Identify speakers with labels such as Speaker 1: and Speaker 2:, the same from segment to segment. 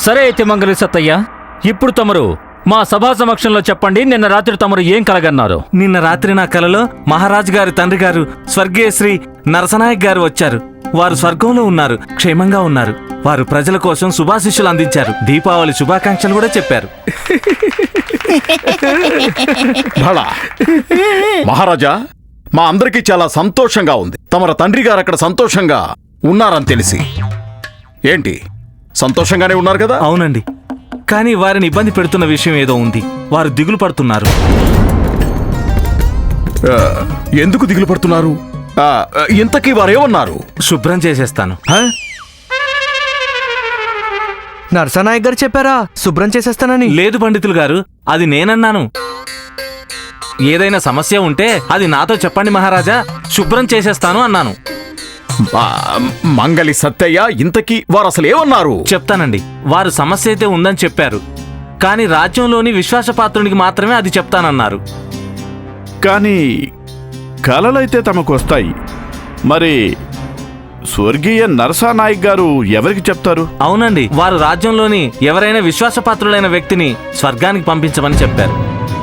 Speaker 1: సరే అయితే మంగళి సత్తయ్య, ఇప్పుడు తమరు మా సభా సమక్షంలో చెప్పండి, నిన్న రాత్రి తమరు ఏం కలగన్నారు?
Speaker 2: నిన్న రాత్రి నా కలలో మహారాజు గారి తండ్రి గారు స్వర్గీయ శ్రీ నరసనాయక్ గారు వచ్చారు. వారు స్వర్గంలో ఉన్నారు, క్షేమంగా ఉన్నారు. వారు ప్రజల కోసం శుభాశిష్యులు అందించారు, దీపావళి శుభాకాంక్షలు కూడా చెప్పారు.
Speaker 3: భళా మహారాజా, మా అందరికీ చాలా సంతోషంగా ఉంది. తమర తండ్రి గారు అక్కడ సంతోషంగా ఉన్నారని తెలిసి. ఏంటి, సంతోషంగానే ఉన్నారు కదా?
Speaker 2: అవునండి, కానీ వారిని ఇబ్బంది పెడుతున్న విషయం ఏదో ఉంది. వారు దిగులు పడుతున్నారు.
Speaker 3: ఎందుకు దిగులు పడుతున్నారు? ఇంతకీ వారేమన్నారు?
Speaker 2: శుభ్రం చేసేస్తాను.
Speaker 4: నరసనాయక్ గారు చెప్పారా శుభ్రం చేసేస్తానని?
Speaker 2: లేదు పండితులు గారు, అది నేనన్నాను. ఏదైనా సమస్య ఉంటే అది నాతో చెప్పండి మహారాజా, శుభ్రం చేసేస్తాను అన్నాను.
Speaker 3: మంగళి సత్తయ్య, ఇంతకీ వారు అసలు ఏమన్నారు?
Speaker 2: చెప్తానండి. వారు సమస్య అయితే ఉందని చెప్పారు, కానీ రాజ్యంలోని విశ్వాసపాత్రునికి మాత్రమే అది చెప్తానన్నారు.
Speaker 5: కానీ కలలైతే తమకు వస్తాయి. మరి స్వర్గీయ నరసానాయక్ గారు ఎవరికి చెప్తారు?
Speaker 2: అవునండి, వారు రాజ్యంలోని ఎవరైనా విశ్వాసపాత్రులైన వ్యక్తిని స్వర్గానికి పంపించమని చెప్పారు.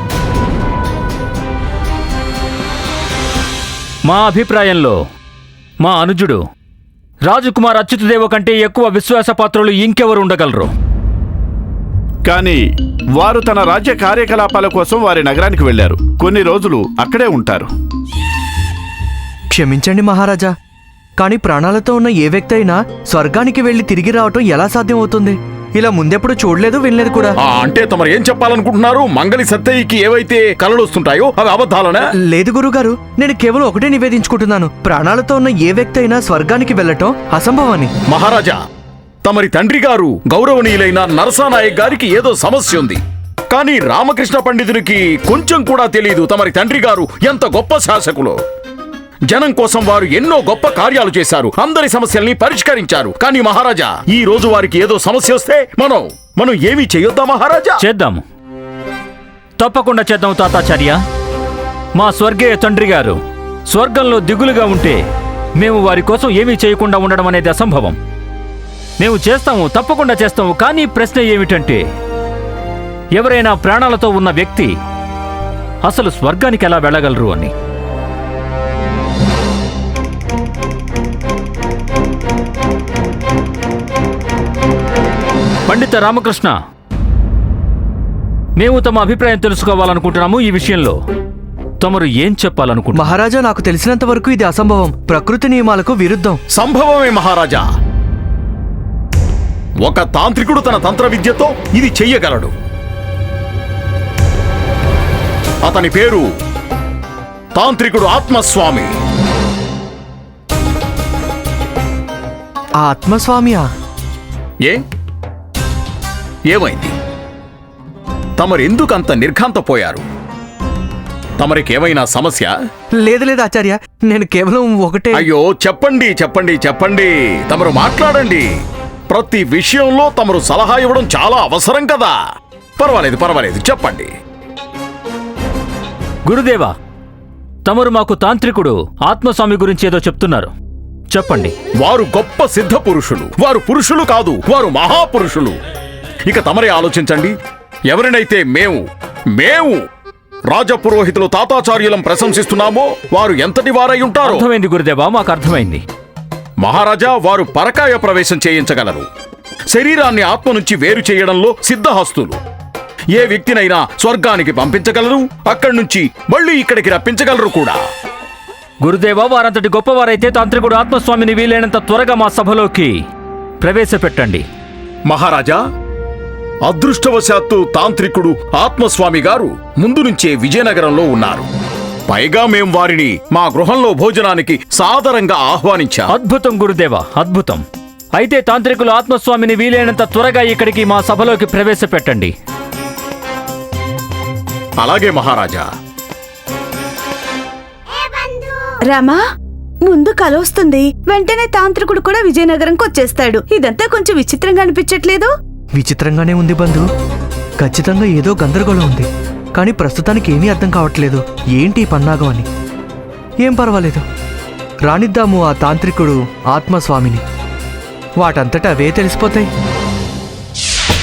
Speaker 1: మా అభిప్రాయంలో మా అనుజుడు రాజకుమార్ అచ్యుతదేవ కంటే ఎక్కువ విశ్వాసపాత్రులు ఇంకెవరు ఉండగలరు?
Speaker 5: కానీ వారు తన రాజ్య కార్యకలాపాల కోసం వారి నగరానికి వెళ్లారు. కొన్ని రోజులు అక్కడే ఉంటారు.
Speaker 4: క్షమించండి మహారాజా, కానీ ప్రాణాలతో ఉన్న ఏ వ్యక్తి అయినా స్వర్గానికి వెళ్లి తిరిగి రావటం ఎలా సాధ్యం అవుతుంది? ఇలా ముందెప్పుడు చూడలేదు, వినలేదు కూడా.
Speaker 3: అంటే తమరు ఏం చెప్పాలనుకుంటున్నారు? మంగళి సత్తయ్యకి ఏవైతే కలలు వస్తుంటాయో అవి అబద్ధాలనా?
Speaker 4: లేదు గురుగారు, నేను కేవలం ఒకటే నివేదించుకుంటున్నాను. ప్రాణాలతో ఉన్న ఏ వ్యక్తి అయినా స్వర్గానికి వెళ్లటం అసంభవని.
Speaker 3: మహారాజా, తమరి తండ్రి గారు గౌరవనీయులైన నరసానాయక్ గారికి ఏదో సమస్య ఉంది. కానీ రామకృష్ణ పండితునికి కొంచెం కూడా తెలియదు తమరి తండ్రి గారు ఎంత గొప్ప శాసకులో. జనం కోసం వారు ఎన్నో గొప్ప కార్యాలు చేశారు, అందరి సమస్యల్ని పరిష్కరించారు. కానీ మహారాజా, ఈ రోజు వారికి ఏదో సమస్య వస్తే మనం ఏమీ చేయొద్దా మహారాజా?
Speaker 1: చేద్దాము, తప్పకుండా చేద్దాం తాతాచార్య. మా స్వర్గీయ తండ్రి గారు స్వర్గంలో దిగులుగా ఉంటే మేము వారి కోసం ఏమీ చేయకుండా ఉండడం అనేది అసంభవం. మేము చేస్తాము, తప్పకుండా చేస్తాము. కానీ ప్రశ్న ఏమిటంటే, ఎవరైనా ప్రాణాలతో ఉన్న వ్యక్తి అసలు స్వర్గానికి ఎలా వెళ్ళగలరు అని. పండిత రామకృష్ణ, మేము తమ అభిప్రాయం తెలుసుకోవాలనుకుంటున్నాము. ఈ విషయంలో తమరు ఏం చెప్పాలనుకుంటున్నారు?
Speaker 4: మహారాజా, నాకు తెలిసినంత వరకు ఇది అసంభవం, ప్రకృతి నియమాలకు విరుద్ధం.
Speaker 3: సంభవమే మహారాజా. ఒక తాంత్రికుడు తన తంత్ర విద్యతో ఇది చెయ్యగలడు. అతని పేరు తాంత్రికుడు ఆత్మస్వామి.
Speaker 4: ఆత్మస్వామియా?
Speaker 3: ఏమైంది? తమరెందుకంత నిర్ఘాంతపోయారు? తమరికేమైనా సమస్య?
Speaker 4: లేదు లేదు ఆచార్య, నేను కేవలం ఒకటే.
Speaker 3: అయ్యో, చెప్పండి చెప్పండి చెప్పండి, తమరు మాట్లాడండి. ప్రతి విషయంలో తమరు సలహా ఇవ్వడం చాలా అవసరం కదా. పర్వాలేదు పర్వాలేదు, చెప్పండి.
Speaker 1: గురుదేవా, తమరు మాకు తాంత్రికుడు ఆత్మస్వామి గురించి ఏదో చెప్తున్నారు, చెప్పండి.
Speaker 3: వారు గొప్ప సిద్ధ పురుషులు. వారు పురుషులు కాదు, వారు మహాపురుషులు. ఇక తమరే ఆలోచించండి. ఎవరినైతే మేము రాజపురోహితులు తాతాచార్యులం ప్రశంసిస్తున్నామో వారు ఎంతటి వారై ఉంటారో.
Speaker 1: అర్థమైంది గురుదేవా, మాకు అర్థమైంది.
Speaker 3: మహారాజా, వారు పరకాయ ప్రవేశం చేయించగలరు. శరీరాన్ని ఆత్మ నుంచి వేరు చేయడంలో సిద్ధహస్తులు. ఏ వ్యక్తినైనా స్వర్గానికి పంపించగలరు, అక్కడి నుంచి మళ్ళీ ఇక్కడికి రప్పించగలరు కూడా.
Speaker 1: గురుదేవా, వారంతటి గొప్పవారైతే తాంత్రికుడు ఆత్మస్వామిని వీలైనంత త్వరగా మా సభలోకి ప్రవేశపెట్టండి.
Speaker 3: మహారాజా, అదృష్టవశాత్తు తాంత్రికుడు ఆత్మస్వామి గారు ముందు నుంచే విజయనగరంలో ఉన్నారు. పైగా మేం వారిని మా గృహంలో భోజనానికి సాదరంగా ఆహ్వానించాం.
Speaker 1: అద్భుతం గురుదేవా, అద్భుతం. అయితే తాంత్రికులు ఆత్మస్వామిని వీలైనంత త్వరగా ఇక్కడికి మా సభలోకి ప్రవేశపెట్టండి.
Speaker 3: అలాగే మహారాజా.
Speaker 6: రామా, ముందు కలొస్తుంది, వెంటనే తాంత్రికుడు కూడా విజయనగరంకి వచ్చేస్తాడు. ఇదంతా కొంచెం విచిత్రంగా అనిపించట్లేదు?
Speaker 4: విచిత్రంగానే ఉంది బంధు, ఖచ్చితంగా ఏదో గందరగోళం ఉంది. కానీ ప్రస్తుతానికి ఏమీ అర్థం కావట్లేదు. ఏంటి పన్నాగం అని. ఏం పర్వాలేదు, రానిద్దాము ఆ తాంత్రికుడు ఆత్మస్వామిని. వాటంతటా అవే తెలిసిపోతాయి.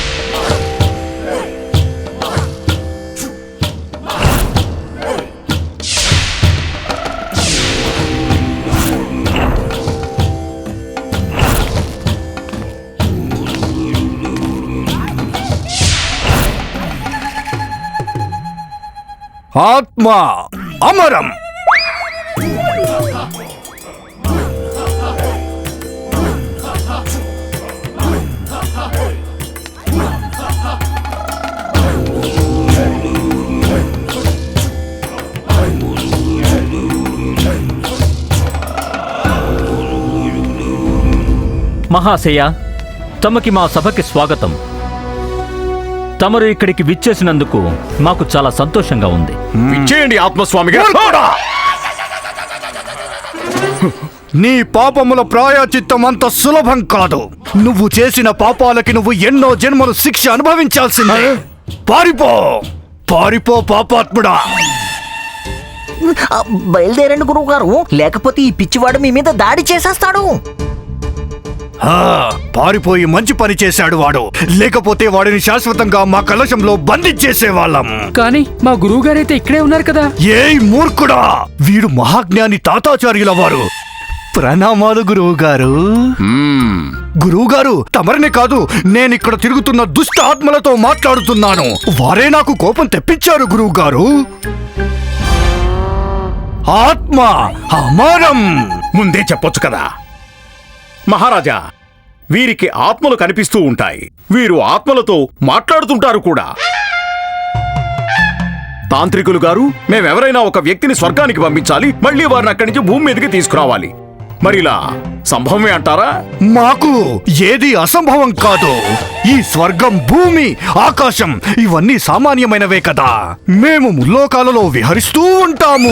Speaker 7: ఆత్మ అమరం.
Speaker 1: మహాశయ, తమకి మా సభకి స్వాగతం. తమరు ఇక్కడికి విచ్చేసినందుకు మాకు చాలా సంతోషంగా ఉంది.
Speaker 3: ఇచ్చేయండి ఆత్మస్వామి గారు.
Speaker 7: నీ పాపముల ప్రాయచిత్తం అంత సులభం కాదు. నువ్వు చేసిన పాపాలకి నువ్వు ఎన్నో జన్మలు శిక్ష అనుభవించాల్సిందే. పారిపో, పారిపో పాపాత్ముడా.
Speaker 8: బయలుదేరండి గురువు గారు, లేకపోతే ఈ పిచ్చివాడు మీ మీద దాడి చేసేస్తాడు.
Speaker 7: పారిపోయి మంచి పని చేశాడు వాడు. లేకపోతే వాడిని శాశ్వతంగా మా కలశంలో బంధించేసేవాళ్ళం.
Speaker 9: కానీ మా గురువు గారైతే ఇక్కడే ఉన్నారు కదా.
Speaker 7: ఏయ్ మూర్ఖుడా, వీడు మహాజ్ఞాని తాతాచార్యుల వారు. ప్రణామాలు గురువు గారు. గురువు గారు, తమరినే కాదు, నేనిక్కడ తిరుగుతున్న దుష్ట ఆత్మలతో మాట్లాడుతున్నాను. వారే నాకు కోపం తెప్పించారు గురువు గారు. ఆత్మ అమరం.
Speaker 3: ముందే చెప్పొచ్చు కదా మహారాజా. వీరికి ఆత్మలు కనిపిస్తూ ఉంటాయి. వీరు ఆత్మలతో మాట్లాడుతుంటారు కూడా. తాంత్రికులు గారు, మేమెవరైనా ఒక వ్యక్తిని స్వర్గానికి పంపించాలి, మళ్ళీ వారిని అక్కడి నుంచి భూమి మీదకి తీసుకురావాలి. మరిలా సంభవమే అంటారా?
Speaker 7: మాకు ఏది అసంభవం కాదు. ఈ స్వర్గం, భూమి, ఆకాశం ఇవన్నీ సామాన్యమైనవే కదా. మేము ముల్లోకాలలో విహరిస్తూ ఉంటాము.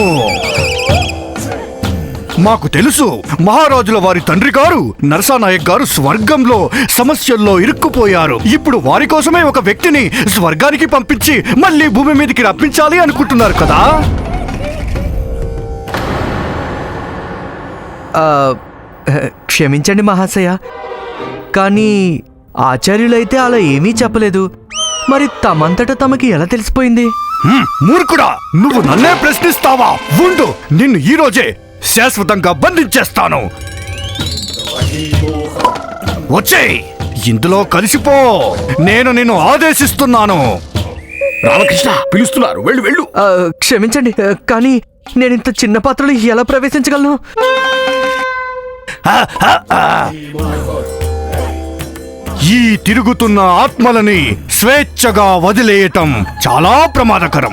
Speaker 7: మాకు తెలుసు, మహారాజుల వారి తండ్రి గారు నరసానాయక్ గారు స్వర్గంలో సమస్యల్లో ఇరుక్కుపోయారు. ఇప్పుడు వారి కోసమే ఒక వ్యక్తిని స్వర్గానికి పంపించి మళ్ళీ భూమి మీదకి రప్పించాలి అనుకుంటున్నారు కదా.
Speaker 4: క్షమించండి మహాశయ, కానీ ఆచార్యులైతే అలా ఏమీ చెప్పలేదు. మరి తమంతట తమకి ఎలా తెలిసిపోయింది?
Speaker 7: మూర్ఖుడా, నువ్వు నన్నే ప్రశ్నిస్తావా? ఉండు, నిన్ను ఈ రోజే శాశ్వతంగా బంధించేస్తాను. వచ్చేయ్, ఇందులో కలిసిపో. నేను నిన్ను ఆదేశిస్తున్నాను.
Speaker 3: రామకృష్ణ పిలుస్తున్నారు, వెళ్ళు వెళ్ళు.
Speaker 4: క్షమించండి, కానీ నేనింత చిన్న పాత్రలో ఎలా ప్రవేశించగలను?
Speaker 7: ఈ తిరుగుతున్న ఆత్మలని స్వేచ్ఛగా వదిలేయటం చాలా ప్రమాదకరం.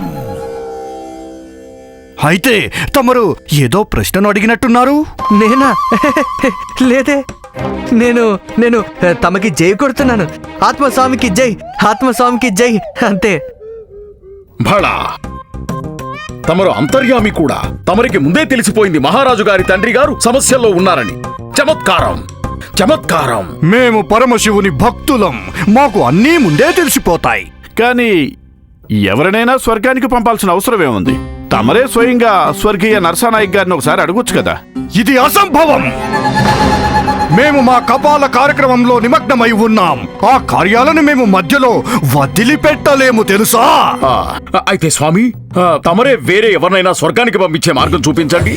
Speaker 7: అయితే తమరు ఏదో ప్రశ్నను అడిగినట్టున్నారు.
Speaker 4: నేనా? లేదే. నేను నేను తమకి జై కొడుతున్నాను. ఆత్మస్వామికి జై, ఆత్మస్వామికి జై, అంతే.
Speaker 3: భళా, తమరు అంతర్యామి కూడా. తమరికి ముందే తెలిసిపోయింది మహారాజు గారి తండ్రి గారు సమస్యల్లో ఉన్నారని. చమత్కారం, చమత్కారం.
Speaker 7: మేము పరమశివుని భక్తులం, మాకు అన్నీ ముందే తెలిసిపోతాయి.
Speaker 5: కానీ ఎవరినైనా స్వర్గానికి పంపాల్సిన అవసరమేముంది? తమరే స్వయంగా స్వర్గీయ నరసానాయక్ గారిని ఒకసారి అడగొచ్చు కదా.
Speaker 7: ఇది అసంభవం. మేము మా కపాల కార్యక్రమంలో నిమగ్నమై ఉన్నాం. ఆ కార్యాలను మేము మధ్యలో వదిలిపెట్టలేము తెలుసా.
Speaker 3: అయితే స్వామి, తమరే వేరే ఎవరినైనా స్వర్గానికి పంపించే మార్గం చూపించండి.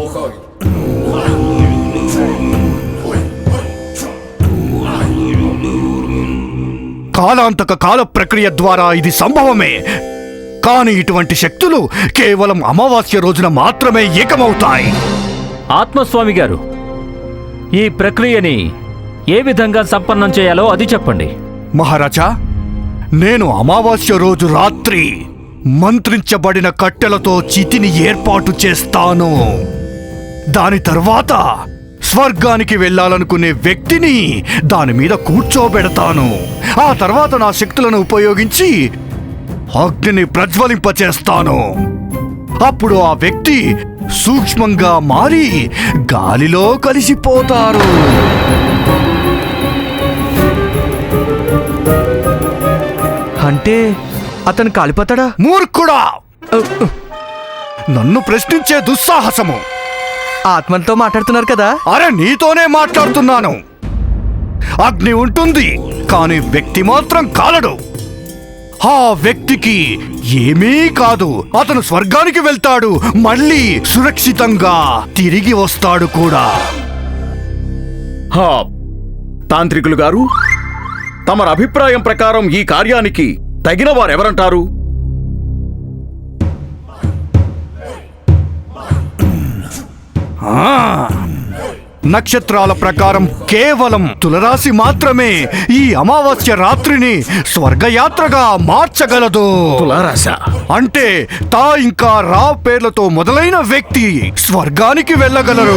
Speaker 7: కాలాంతక కాల ప్రక్రియ ద్వారా ఇది సంభవమే. కానీ ఇటువంటి శక్తులు కేవలం అమావాస్య రోజున మాత్రమే ఏకమవుతాయి.
Speaker 1: ఆత్మస్వామి గారు, ఈ ప్రక్రియని ఏ విధంగా సంపన్నం చేయాలో అది చెప్పండి.
Speaker 7: మహారాజా, నేను అమావాస్య రోజు రాత్రి మంత్రించబడిన కట్టెలతో చితిని ఏర్పాటు చేస్తాను. దాని తర్వాత స్వర్గానికి వెళ్ళాలనుకునే వ్యక్తిని దాని మీద కూర్చోబెడతాను. ఆ తర్వాత నా శక్తులను ఉపయోగించి అగ్నిని ప్రజ్వలింపచేస్తాను. అప్పుడు ఆ వ్యక్తి సూక్ష్మంగా మారి గాలిలో కలిసిపోతారు.
Speaker 4: అంటే అతను కాలిపోతాడా?
Speaker 7: మూర్ఖుడా, నన్ను ప్రశ్నించే దుస్సాహసము.
Speaker 4: ఆత్మలతో మాట్లాడుతున్నారు కదా.
Speaker 7: అరే, నీతోనే మాట్లాడుతున్నాను. అగ్ని ఉంటుంది, కానీ వ్యక్తి మాత్రం కాలడు. ఆ వ్యక్తికి ఏమీ కాదు. అతను స్వర్గానికి వెళ్తాడు, మళ్ళీ సురక్షితంగా తిరిగి వస్తాడు కూడా.
Speaker 3: తాంత్రికులు గారు, తమరి అభిప్రాయం ప్రకారం ఈ కార్యానికి తగిన వారెవరంటారు?
Speaker 7: నక్షత్రాల ప్రకారం కేవలం తులరాశి మాత్రమే ఈ అమావాస్య రాత్రిని స్వర్గయాత్రగా మార్చగలదు.
Speaker 3: తులారాశ
Speaker 7: అంటే తా ఇంకా రా పేర్లతో మొదలైన వ్యక్తి స్వర్గానికి వెళ్ళగలరు.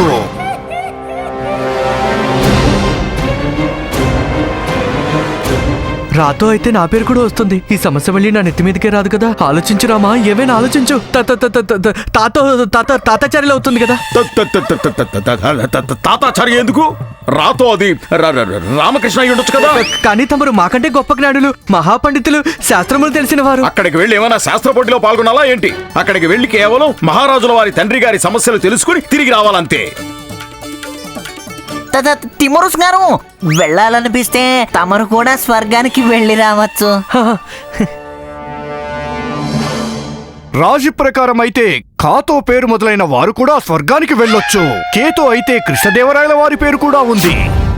Speaker 4: రాతో అయితే నా పేరు కూడా వస్తుంది. ఈ సమస్య మళ్ళీ నా నెత్తి మీదకే రాదు కదా. ఆలోచించు రామా, ఏమైనా ఆలోచించు. తాతాచార్యులు అవుతుంది కదా.
Speaker 3: తాతాచార్య ఎందుకు? రాతో అది రామకృష్ణ అయి ఉండొచ్చు కదా.
Speaker 4: కానీ తమరు మాకంటే గొప్ప జ్ఞానులు, మహాపండితులు, శాస్త్రములు తెలిసిన వారు.
Speaker 3: అక్కడికి వెళ్ళి ఏమైనా శాస్త్ర పోటీలో పాల్గొనాలా ఏంటి? అక్కడికి వెళ్ళి కేవలం మహారాజుల వారి తండ్రి గారి సమస్యలు తెలుసుకుని తిరిగి రావాలంతే.
Speaker 8: తిమరుస్ గారు, వెళ్ళాలనిపిస్తే తమరు కూడా స్వర్గానికి వెళ్ళి రావచ్చు.
Speaker 7: రాశి ప్రకారం అయితే కాతో పేరు మొదలైన వారు కూడా స్వర్గానికి వెళ్ళొచ్చు. కేతో అయితే కృష్ణదేవరాయల వారి పేరు కూడా ఉంది.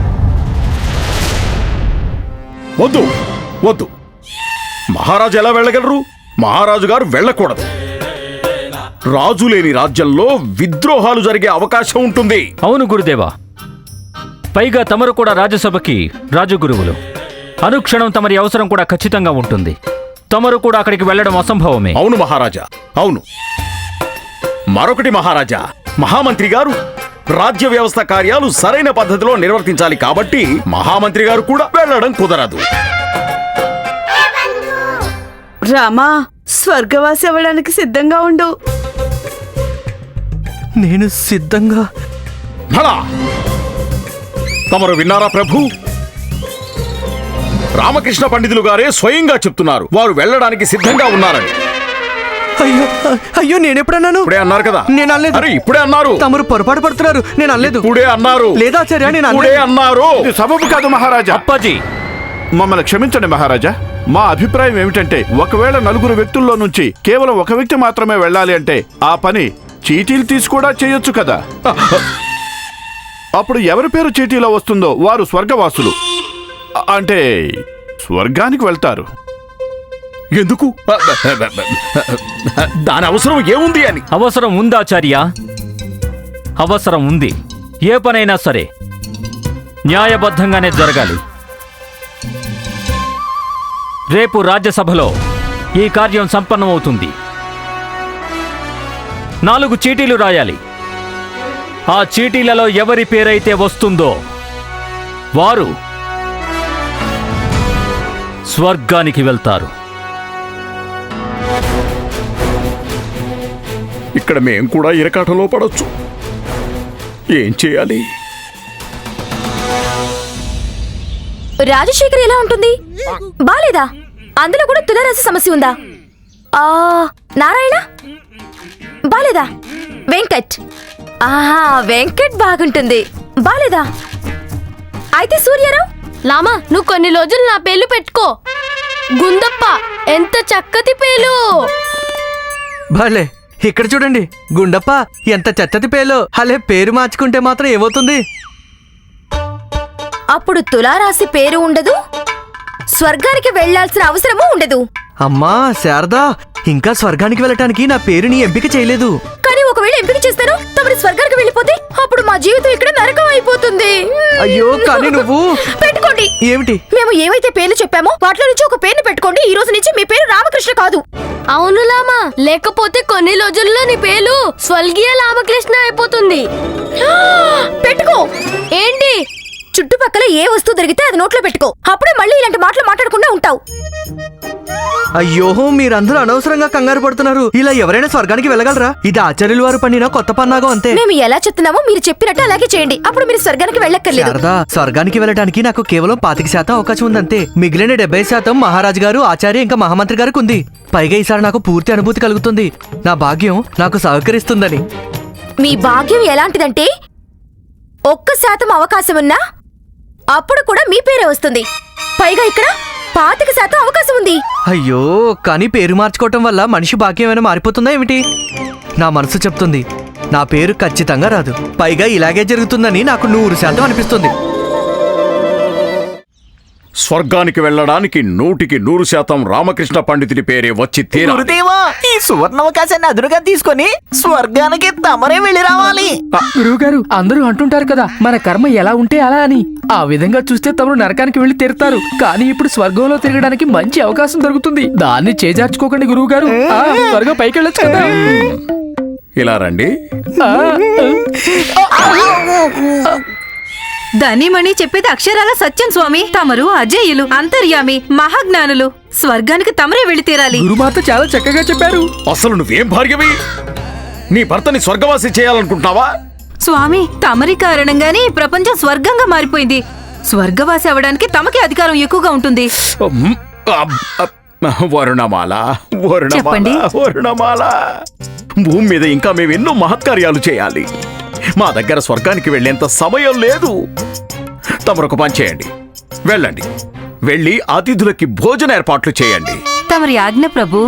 Speaker 3: వద్దు వద్దు, మహారాజు ఎలా వెళ్ళగలరు? మహారాజు గారు వెళ్ళకూడదు. రాజు లేని రాజ్యంలో విద్రోహాలు జరిగే అవకాశం ఉంటుంది.
Speaker 1: అవును గురుదేవా, పైగా తమరు కూడా రాజ్యసభకి రాజగురువులు. అనుక్షణం తమరి అవసరం కూడా ఖచ్చితంగా ఉంటుంది. తమరు కూడా అక్కడికి వెళ్ళడం అసంభవమే.
Speaker 3: అవును మహారాజా, అవును. మరొకటి మహారాజా, మహామంత్రి గారు రాజ్య వ్యవస్థ కార్యాలు సరైన పద్ధతిలో నిర్వర్తించాలి కాబట్టి మహామంత్రి గారు కూడా వెళ్ళడం కుదరదు.
Speaker 6: రామా, స్వర్గవాసి అవ్వడానికి సిద్ధంగా ఉండు.
Speaker 4: నేను సిద్ధంగా.
Speaker 3: భళా! తమరు విన్నారా ప్రభు? రామకృష్ణ పండితులు గారే స్వయంగా చెప్తున్నారు వారు వెళ్ళడానికి సిద్ధంగా ఉన్నారని.
Speaker 4: అయ్యో అయ్యో, నేనెప్పుడన్నాను?
Speaker 3: ఇప్పుడే అన్నారు కదా.
Speaker 4: నేను అనలేదు.
Speaker 3: అరే ఇప్పుడే అన్నారు.
Speaker 4: తమరు పొరపాటు పడుతున్నారు. నేను అనలేదు.
Speaker 3: ఇప్పుడే అన్నారు.
Speaker 4: లేదా ఆచార్య, నేను
Speaker 3: ఇప్పుడే
Speaker 4: అనలేదు.
Speaker 3: అన్నారు.
Speaker 5: ఇది సబబు కాదు మహారాజా.
Speaker 1: అప్పాజీ,
Speaker 5: మమ్మల్ని క్షమించండి మహారాజా. మా అభిప్రాయం ఏమిటంటే, ఒకవేళ నలుగురు వ్యక్తుల్లో నుంచి కేవలం ఒక వ్యక్తి మాత్రమే వెళ్ళాలి అంటే ఆ పని చీటీలు తీసి కూడా చేయొచ్చు కదా. అప్పుడు ఎవరి పేరు చీటీలో వస్తుందో వారు స్వర్గవాసులు, అంటే స్వర్గానికి వెళ్తారు.
Speaker 3: ఎందుకు? దాని అవసరం ఏముంది అని.
Speaker 1: అవసరం ఉందాచార్య, అవసరం ఉంది. ఏ పనైనా సరే న్యాయబద్ధంగానే జరగాలి. రేపు రాజ్యసభలో ఈ కార్యం సంపన్నమవుతుంది. 4 చీటీలు రాయాలి. ఆ చీటీలలో ఎవరి పేరైతే వస్తుందో వారు స్వర్గానికి వెళ్తారు.
Speaker 3: ఇక్కడ మేం కూడా ఇరకాటంలో పడొచ్చు. ఏం చేయాలి?
Speaker 10: రాజశేఖర్ ఎలా ఉంటుంది? బాలేదా? అందులో కూడా తులారాశి సమస్య ఉందా? నారాయణ బాలేదా? వెంకట్, ఆహా వెంకట్ బాగుంటుంది. బాలేదా? అయితే సూర్యారావు. లామా, నువ్వు కొన్ని రోజులు నా పేర్లు పెట్టుకో. గుందప్ప, ఎంత చక్కటి పేలు.
Speaker 4: భలే, ఇక్కడ చూడండి. గుండప్ప, ఎంత చచ్చతి పేలో. అలే, పేరు మార్చుకుంటే మాత్రం ఏమవుతుంది?
Speaker 10: అప్పుడు తులారాశి పేరు ఉండదు, స్వర్గానికి వెళ్లాల్సిన అవసరమూ ఉండదు.
Speaker 4: అమ్మా శారదా, ఇంకా స్వర్గానికి వెళ్ళటానికి నా పేరుని ఎంపిక చేయలేదు.
Speaker 10: కానీ ఒకవేళ ఎంపిక చేస్తాను, తమరి స్వర్గానికి వెళ్ళిపోతే అప్పుడు మా జీవితం ఇక్కడ నరకం అయిపోతుంది.
Speaker 4: అయ్యో, కానీ నువ్వు
Speaker 10: పెట్టుకోండి.
Speaker 4: ఏమిటి?
Speaker 10: మేము ఏవైతే పేర్లు చెప్పామో వాటిలో నుంచి ఒక పేరుని పెట్టుకోండి. ఈ రోజు నుంచి మీ పేరు రామకృష్ణ కాదు. అవును లామా, లేకపోతే కొన్ని రోజుల్లో నీ పేరు స్వర్గీయ రామకృష్ణ అయిపోతుంది. పెట్టుకో. ఏంటి? చుట్టుపక్కల ఏ వస్తువు దొరికితే అది నోట్లో పెట్టుకో. అప్పుడే మళ్ళీ ఇలాంటి మాటలు మాట్లాడకుండా ఉంటావు.
Speaker 4: అయ్యో, మీరందరూ అనవసరంగా కంగారు పడుతున్నారు. ఇలా ఎవరైనా స్వర్గానికి వెళ్ళగలరా? ఇది ఆచార్యుల వారు పన్నిన కొత్త పన్నాగం అంతే.
Speaker 10: మేము ఎలా చెప్తున్నామో మీరు చెప్పినట్టు అలాగే చేయండి. అప్పుడు మీరు స్వర్గానికి వెళ్ళక్కర్లేదు.
Speaker 4: శారదా, స్వర్గానికి వెళ్ళటానికి నాకు కేవలం 25% అవకాశం ఉందంతే. మిగిలిన 70% మహారాజు గారు, ఆచార్య ఇంకా మహామంత్రి గారికి ఉంది. పైగా ఈసారి నాకు పూర్తి అనుభూతి కలుగుతుంది. నా భాగ్యం నాకు సహకరిస్తుందని.
Speaker 10: మీ భాగ్యం ఎలాంటిదంటే 1% అవకాశం ఉన్నా అప్పుడు కూడా మీ పేరే వస్తుంది. పైగా ఇక్కడ 25% అవకాశం ఉంది.
Speaker 4: అయ్యో, కానీ పేరు మార్చుకోవటం వల్ల మనిషి భాగ్యం ఏమైనా మారిపోతుందా ఏమిటి? నా మనసు చెప్తుంది నా పేరు ఖచ్చితంగా రాదు. పైగా ఇలాగే జరుగుతుందని నాకు 100% అనిపిస్తుంది.
Speaker 3: స్వర్గానికి వెళ్ళడానికి 100% రామకృష్ణ పండితుడి పేరే వచ్చి తీరాలి.
Speaker 8: గురుదేవా, ఈ సువర్ణావకాశాన్ని అదునుగా తీసుకొని స్వర్గానికి తమరే వెళ్ళి రావాలి.
Speaker 9: గురువుగారు, అందరూ అంటుంటారు కదా మన కర్మ ఎలా ఉంటే అలా అని. ఆ విధంగా చూస్తే తమరు నరకానికి వెళ్లి తీరుతారు. కానీ ఇప్పుడు స్వర్గంలో తిరగడానికి మంచి అవకాశం దొరుకుతుంది. దాన్ని చేజార్చుకోకండి గురువుగారు. త్వరగా పైకి వెళ్ళొచ్చు కదా.
Speaker 3: ఇలా రండి.
Speaker 6: ధనిమణి చెప్పేది అక్షరాల సత్యం స్వామి. తమరు అజేయులు, అంతర్యామి, మహాజ్ఞానులు. స్వర్గానికి తమరే వెళ్లి తీరాలి.
Speaker 9: గురుమాత చాలా చక్కగా చెప్పారు.
Speaker 3: అసలు నువ్వేం భార్యవి? నీ భర్తని స్వర్గవాసి చేయాలనుకుంటున్నావా?
Speaker 6: స్వామి, తమరి కారణంగానే ఈ ప్రపంచం స్వర్గంగా మారిపోయింది. స్వర్గవాసి అవడానికి తమకి అధికారం ఎక్కువగా ఉంటుంది.
Speaker 3: వరుణమాల,
Speaker 6: చెప్పండి.
Speaker 3: వరుణమాల, భూమి మీద ఇంకా మేము ఎన్నో మహత్కార్యాలు చేయాలి. మా దగ్గర స్వర్గానికి వెళ్ళేంత సమయం లేదు. తమరొక పని చేయండి, వెళ్ళండి. వెళ్ళి అతిథులకి భోజన ఏర్పాట్లు చేయండి.
Speaker 6: తమరి ఆజ్ఞ ప్రభు.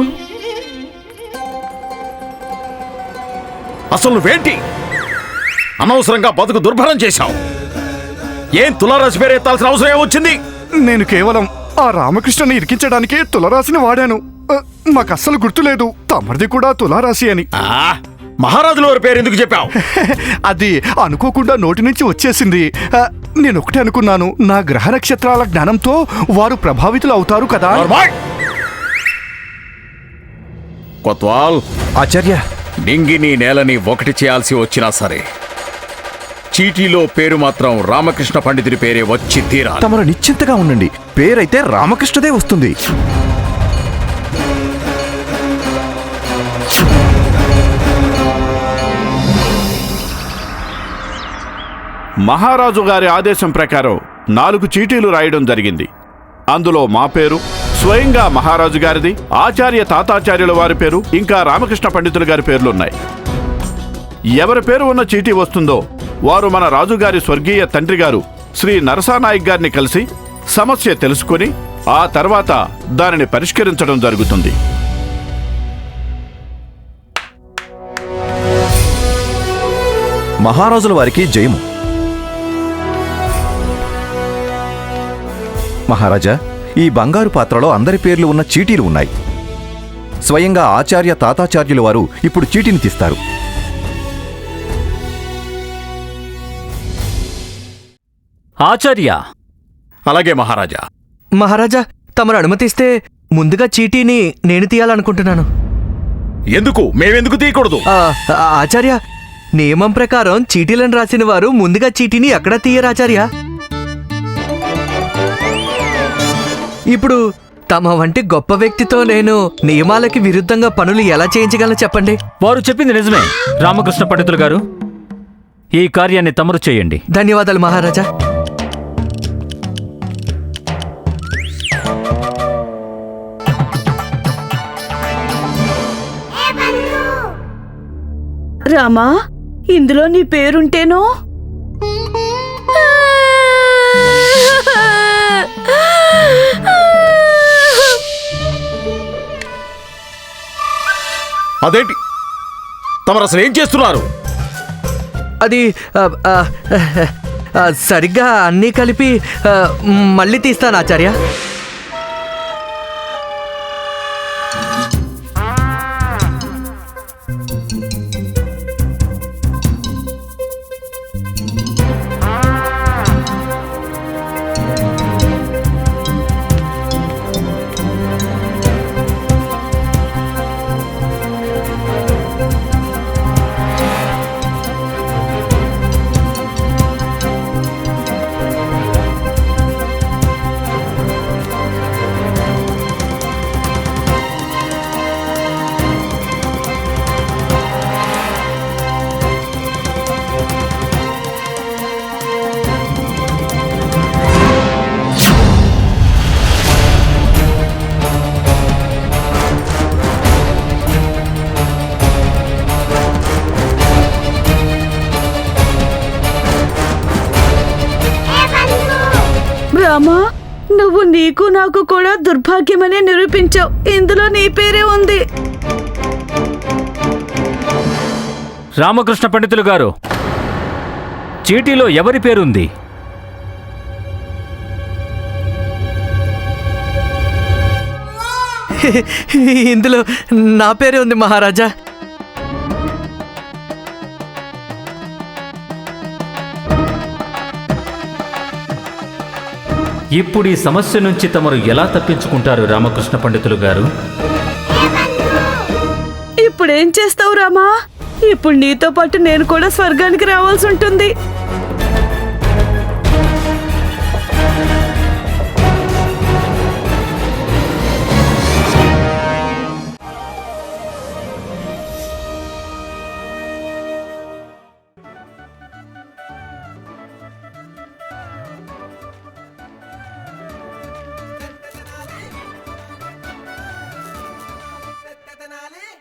Speaker 3: అసలు నువ్వేంటి అనవసరంగా బతుకు దుర్భరం చేశావు? ఏం తులారాశి పేరు ఎత్తాల్సిన అవసరం ఏమొచ్చింది?
Speaker 7: నేను కేవలం ఆ రామకృష్ణని ఇరికించడానికి తులారాశిని వాడాను. మాకు అస్సలు గుర్తులేదు తమరిది కూడా తులారాశి అని.
Speaker 3: మహారాజుల వారి పేరు ఎందుకు చెప్పావు?
Speaker 7: అది అనుకోకుండా నోటి నుంచి వచ్చేసింది. నేను ఒకటే అనుకున్నాను, నా గ్రహ నక్షత్రాల జ్ఞానంతో వారు ప్రభావితులు అవుతారు కదా.
Speaker 3: కొత్వాల్,
Speaker 11: ఆచార్య,
Speaker 3: నింగిని నేలని ఒకటి చేయాల్సి వచ్చినా సరే చీటీలో పేరు మాత్రం రామకృష్ణ పండితుడి పేరే వచ్చి తీరాలి.
Speaker 11: తమరు నిశ్చింతగా ఉండండి, పేరైతే రామకృష్ణదే వస్తుంది.
Speaker 5: మహారాజు గారి ఆదేశం ప్రకారం 4 చీటీలు రాయడం జరిగింది. అందులో మా పేరు, స్వయంగా మహారాజు గారిది, ఆచార్య తాతాచార్యుల వారి పేరు, ఇంకా రామకృష్ణ పండితుల గారి పేర్లున్నాయి. ఎవరి పేరు ఉన్న చీటీ వస్తుందో వారు మన రాజుగారి స్వర్గీయ తండ్రి గారు శ్రీ నరసానాయక్ గారిని కలిసి సమస్య తెలుసుకుని ఆ తర్వాత దానిని పరిష్కరించడం జరుగుతుంది.
Speaker 11: మహారాజుల వారికి జయము. మహారాజా, ఈ బంగారు పాత్రలో అందరి పేర్లు ఉన్న చీటీలు ఉన్నాయి. స్వయంగా ఆచార్య తాతాచార్యుల వారు ఇప్పుడు చీటీని తీస్తారు.
Speaker 1: ఆచార్య.
Speaker 3: అలాగే మహారాజా.
Speaker 4: మహారాజా, తమరు అనుమతిస్తే ముందుగా చీటీని నేను తీయాలనుకుంటున్నాను.
Speaker 3: ఎందుకు? మేమెందుకు తీయకూడదు?
Speaker 4: ఆచార్య, నియమం ప్రకారం చీటీలను రాసిన వారు ముందుగా చీటీని ఎక్కడ తీయరు ఆచార్య. ఇప్పుడు తమ వంటి గొప్ప వ్యక్తితో నేను నియమాలకి విరుద్ధంగా పనులు ఎలా చేయించగలను చెప్పండి.
Speaker 1: వారు చెప్పింది నిజమే రామకృష్ణ పండితులు గారు. ఈ కార్యాన్ని తమరు చేయండి.
Speaker 4: ధన్యవాదాలు మహారాజా.
Speaker 6: రామా, ఇందులో నీ పేరుంటేనో?
Speaker 3: అదేంటి? తమరు అసలు ఏం చేస్తున్నారు?
Speaker 4: అది సరిగ్గా అన్నీ కలిపి మళ్ళీ తీస్తాను ఆచార్య.
Speaker 6: రామా, నువ్వు నీకు నాకు కూడా దుర్భాగ్యమనే నిరూపించావు. ఇందులో నీ పేరే ఉంది.
Speaker 1: రామకృష్ణ పండితులు గారు, చీటీలో ఎవరి పేరుంది?
Speaker 4: ఇందులో నా పేరే ఉంది మహారాజా.
Speaker 1: ఇప్పుడు ఈ సమస్య నుంచి తమరు ఎలా తప్పించుకుంటారు రామకృష్ణ పండితులు గారు?
Speaker 6: ఇప్పుడేం చేస్తావు రామా? ఇప్పుడు నీతో పాటు నేను కూడా స్వర్గానికి రావాల్సి ఉంటుంది.